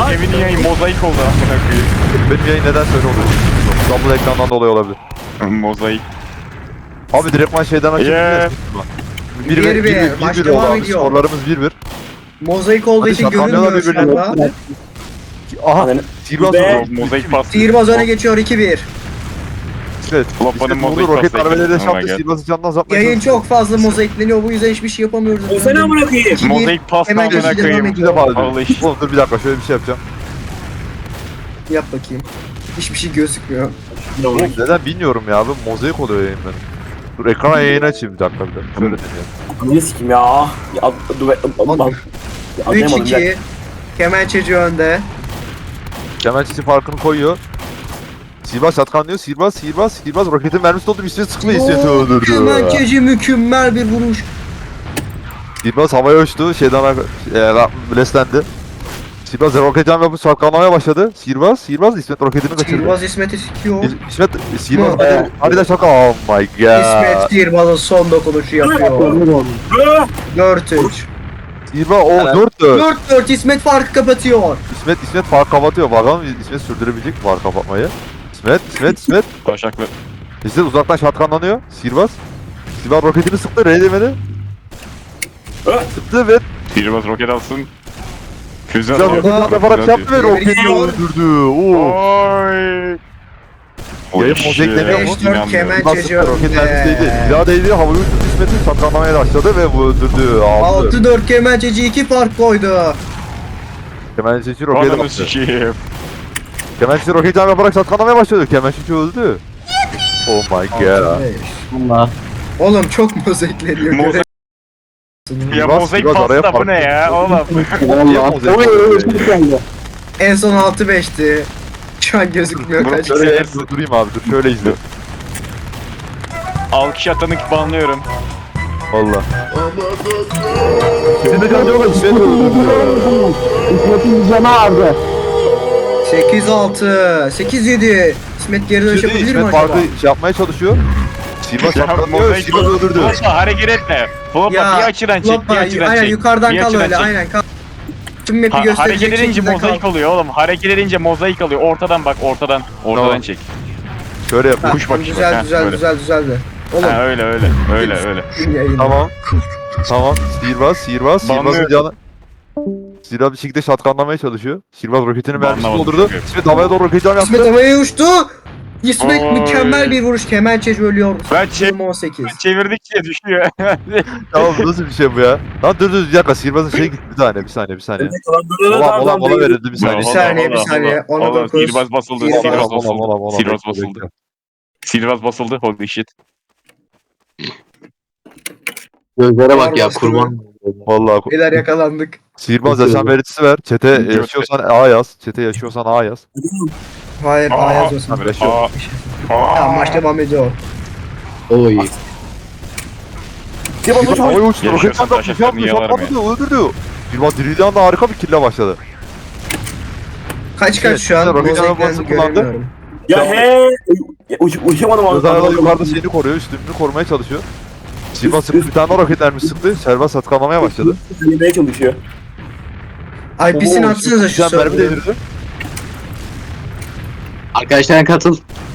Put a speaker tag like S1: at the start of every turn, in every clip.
S1: Kevin'in yayın mozaik oldu amına koyayım.
S2: Benim yayın neden öyle oluyor? Double ekrandan dolayı olabilir.
S1: Mozaik.
S2: Abi direktman şeyden açabiliriz.
S3: 1-1, maç devam ediyor.
S2: Skorlarımız 1-1.
S3: Mozaik olduğu
S2: Hadi
S3: için
S2: şakamıyorlar
S3: görünmüyor şu
S2: birbirine.
S3: anda.
S2: Aha.
S4: Ananı-
S2: Sihirbaz
S4: Be-
S2: vurdu.
S1: Mozaik pas.
S3: Sihirbaz öne geçiyor 2-1.
S2: Evet.
S1: Lopa'nın
S2: İsmet vurdu.
S1: mozaik
S2: Roket
S1: pası
S2: darbeleri de
S1: ekledim. Oh my
S2: çarptı.
S1: God.
S2: Sihirbaz'ı candan azaltmaya
S3: Yayın
S2: çalıştı.
S3: çok fazla mozaikleniyor, bu yüzden hiçbir şey yapamıyoruz.
S4: Ölsene amına koyayım.
S3: 2-1.
S1: Mozaik pas
S3: Hemen
S1: amına
S3: devam
S1: koyayım.
S3: ediyor.
S2: Bir de bağlı.
S1: Allah işte.
S2: Oğlum dur bir dakika şöyle bir şey yapacağım.
S3: Yap bakayım. Hiçbir şey gözükmüyor.
S2: Oğlum neden bilmiyorum ya. Bu mozaik oluyor yayın benim. Dur ekrana yayın açayım bir dakika bir de. Şöyle deneyelim.
S4: Niye sikim ya? Ya dur be. Lan. Ya, anlayamadım ya.
S3: 3-2. Kemençeci önde.
S2: Kemençesi farkını koyuyor. Sihirbaz şatkanlıyor. Sihirbaz. Roketin mermisi doldu. Bir sıkma İsmet'i öldürdü.
S3: Kemençeci mükemmel bir vuruş.
S2: Sihirbaz havaya uçtu. Şeyden bleslendi. Sihirbaz roket cam yapıp şatkanlamaya başladı. Sihirbaz İsmet roketini kaçırdı.
S3: Sihirbaz İsmet'i sikiyor.
S2: İsmet Sihirbaz
S3: Hı.
S2: hadi de şaka. Oh my god.
S3: İsmet Sihirbaz'ın son dokunuşu yapıyor. 4-3.
S2: Sihirbaz o 4-4.
S3: 4-4 İsmet farkı kapatıyor.
S2: İsmet fark kapatıyor. Bakalım İsmet sürdürebilecek mi fark kapatmayı? İsmet.
S1: Taşaklı.
S2: İsmet uzaktan şatkanlanıyor. Sihirbaz roketini sıktı. Demedi. Sıktı ve
S1: Sihirbaz roket alsın. Füze
S2: güzel
S1: atıyor.
S2: roket yaparak
S1: Füze
S2: yaptı ve
S1: atıyor.
S2: roketi
S3: Geliyor.
S2: öldürdü. Oo.
S1: Oy.
S2: Yayın mozaikleniyor mu?
S3: 5-4 Kemençeci
S2: Roket mermisiydi.
S3: önde.
S2: Silah değdi. Havayı uçtu. İsmet'i şatkanlamaya başladı ve bu öldürdü. Aldı.
S3: 6-4 Kemençeci 2 fark koydu.
S2: Kemençeci roketi
S1: Ananı
S2: attı.
S1: sikeyim.
S2: Kemençeci roket cam yaparak şatkanlamaya başladı. Kemençeci öldü. Oh my god.
S4: Allah.
S3: Oğlum çok mozaikleniyor.
S1: Mozaik-
S3: göremiyorsun.
S1: Ya
S2: Biraz-
S1: mozaik
S2: biraz araya
S1: pasta bu ne ya oğlum?
S2: Allah.
S3: En son 6-5'ti. Şu an gözükmüyor kaç.
S2: Şöyle durayım abi dur. Şöyle izle.
S1: Alkış atanı banlıyorum.
S2: Valla. Senin de canı yok. İsmet öldürdü.
S4: İsmet'in canı ağrıdı.
S3: 8-6. 8-7. İsmet geri dönüş
S2: Şimdi
S3: yapabilir mi
S2: İsmet
S3: acaba?
S2: farkı şey yapmaya çalışıyor. Sihirbaz
S1: Ya
S2: şatkanlıyor.
S1: mozaik
S2: Sihirbaz öldürdü.
S1: Flop'a hareket etme. Flop'a bir açıdan çek, bir açıdan
S3: aynen
S1: çek.
S3: yukarıdan
S1: Bir
S3: kal
S1: açıdan
S3: öyle
S1: çek.
S3: aynen kal. Tüm map'i gösterecek
S1: Hareket edince
S3: şekilde
S1: mozaik
S3: kal.
S1: oluyor oğlum. Hareket edince mozaik oluyor. Ortadan bak, ortadan
S2: Tamam.
S1: çek.
S2: Şöyle yapıyor.
S1: Kuş bakışı bak,
S3: Güzel
S1: ha,
S3: güzel
S1: böyle.
S3: güzel düzeldi. Oğlum
S1: Ha öyle.
S3: gün yayını.
S2: Tamam. Sihirbazın
S1: Banlıyorum.
S2: canı. Sihirbaz bir şekilde şatkanlamaya çalışıyor. Sihirbaz roketini mermisi
S1: Banlamadım
S2: doldurdu.
S1: çünkü.
S2: İsmet havaya doğru roket cam
S3: İsmet
S2: yaptı.
S3: havaya uçtu. İsmet
S1: Oy.
S3: mükemmel bir vuruş. Kemençeci ölüyor.
S1: Ben
S3: 18.
S1: çevirdikçe düşüyor.
S2: Tamam nasıl bir şey bu ya? Lan dur bir dakika sihirbazın şey gitti bir saniye. Mola verildi bir saniye.
S3: Bir saniye, bir saniye. Ona
S1: Ona
S3: dokuz.
S1: Sihirbaz basıldı.
S3: Sihirbaz.
S1: Sihirbaz
S2: Mola,
S1: basıldı. Sihirbaz
S2: bekle,
S1: basıldı.
S2: bekle.
S1: Sihirbaz basıldı. Holy shit.
S5: Gözlere bak ya
S3: Bastı
S5: kurban.
S2: Vallahi
S3: Beyler yakalandık.
S2: sihirbaz yaşam vericisi ver. Çete yaşıyorsan A yaz. Çete yaşıyorsan A yaz.
S3: Hayır, A yazıyorsun.
S2: Tamam yaşıyor.
S3: Tamam, maç devam ediyor.
S5: Oy.
S2: Sihirbaz havaya uçtu.
S1: Yaşıyorsan
S2: Roket cam yaptı.
S1: taşaklarını yalarım
S2: Öldürdü. Sihirbaz dirildiği anda harika bir kille başladı.
S3: Kaç
S2: Evet,
S3: şu an?
S2: roket
S3: Mozaiklerini
S2: arabası kullandı.
S3: göremiyorum.
S4: Ya he. Uçamadım abi.
S2: Rıza yukarıda şeyini koruyor. Üstünlüğünü korumaya çalışıyor. Sihirbaz sıktı. Bir tane daha roket mermisi sıktı. Sihirbaz satkanlamaya başladı.
S4: Yemeye çalışıyor.
S3: IP'sini atsanıza şu
S2: Güzel mermi
S3: server'ı.
S2: değdirdi.
S5: Arkadaşlar katıl.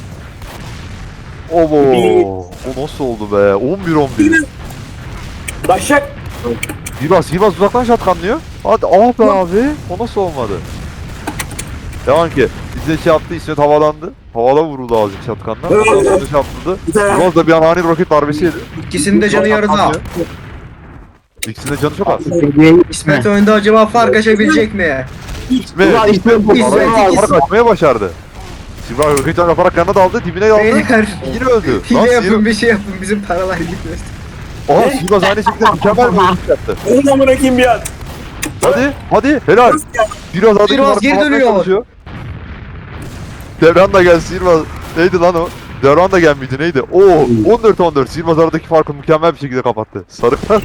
S2: Obo. O nasıl oldu be? 11-11.
S4: Daşak.
S2: Sihirbaz uzaktan şatkanlıyor. Hadi ah be abi. O nasıl olmadı? Devam ki. Bize şey yaptı. İsmet havalandı. Havada vuruldu azıcık şatkanla. Ondan sonra yaptı. Sihirbaz da bir an ani roket darbesi yedi.
S3: İkisinin de canı yarıda.
S2: Şatkanlıyor. İkisinin de canı çok az.
S3: İsmet önde acaba fark açabilecek mi?
S2: İsmet.
S5: Ulan İsmet bu.
S3: İsmet
S2: Araya
S3: ikisi-
S2: fark açmaya başardı. Sihirbaz roket cam yaparak yanına daldı. Dibine daldı.
S3: Beyler
S2: Yine öldü.
S3: hile yapın, bir şey yapın, bizim paralar gitmesin.
S2: Aha Sihirbaz aynı şekilde mükemmel bir vuruş yaptı.
S4: Onu da bırakayım bir an.
S2: Hadi helal. Biraz adım
S3: Sihirbaz geri dönüyor.
S2: Devran da gel Sihirbaz. Neydi lan o? Devran da gel miydi neydi? Oo 14-14. Sihirbaz aradaki farkı mükemmel bir şekilde kapattı. Sarıklar.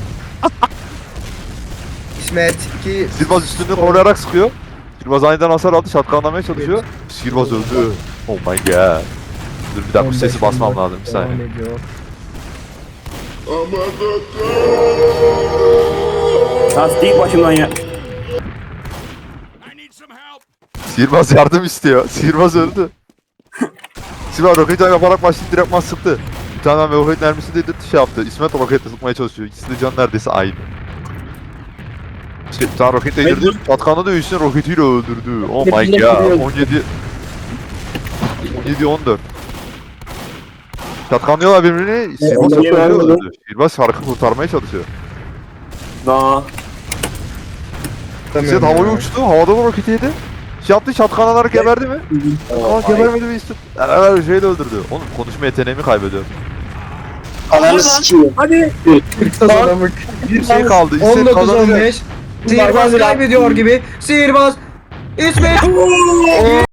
S3: İsmet ki
S2: Sihirbaz üstünü koruyarak sıkıyor. Sihirbaz aniden hasar aldı. Şatkanlamaya çalışıyor. Sihirbaz öldü. Oh my god. Dur bir dakika bu sesi basmam lazım bir saniye.
S3: devam ediyor.
S4: Tasdik başımdan ya.
S2: Sihirbaz yardım istiyor. Sihirbaz öldü. Sihirbaz roket yaparak başlayıp direktman sıktı. Bir tane roket mermisi de şey yaptı. İsmet o roketle sıkmaya çalışıyor. İkisi de can neredeyse aynı. Bir tane roketle indirdi. Çatkanı da üstüne roketiyle öldürdü. Oh my god. 17-14. Çatkanlıyorlar birbirini. Sihirbaz
S4: onları
S2: öldü.
S4: öldürdü.
S2: Sihirbaz şarkı kurtarmaya çalışıyor.
S4: Daha.
S2: İsmet havaya uçtu. Havada da roketi yedi. Şey yaptı, şatkanlar geberdi mi? Aa gebermedi mi İsmet? Her şeyi de öldürdü. Oğlum konuşma yeteneğimi kaybediyorum.
S5: Ananı sikeyim.
S4: Hadi.
S3: Kazanamık.
S2: Bir şey kaldı. İsmet kazanacak.
S3: 19-15. Sihirbaz kaybediyor gibi. Sihirbaz. İsmet.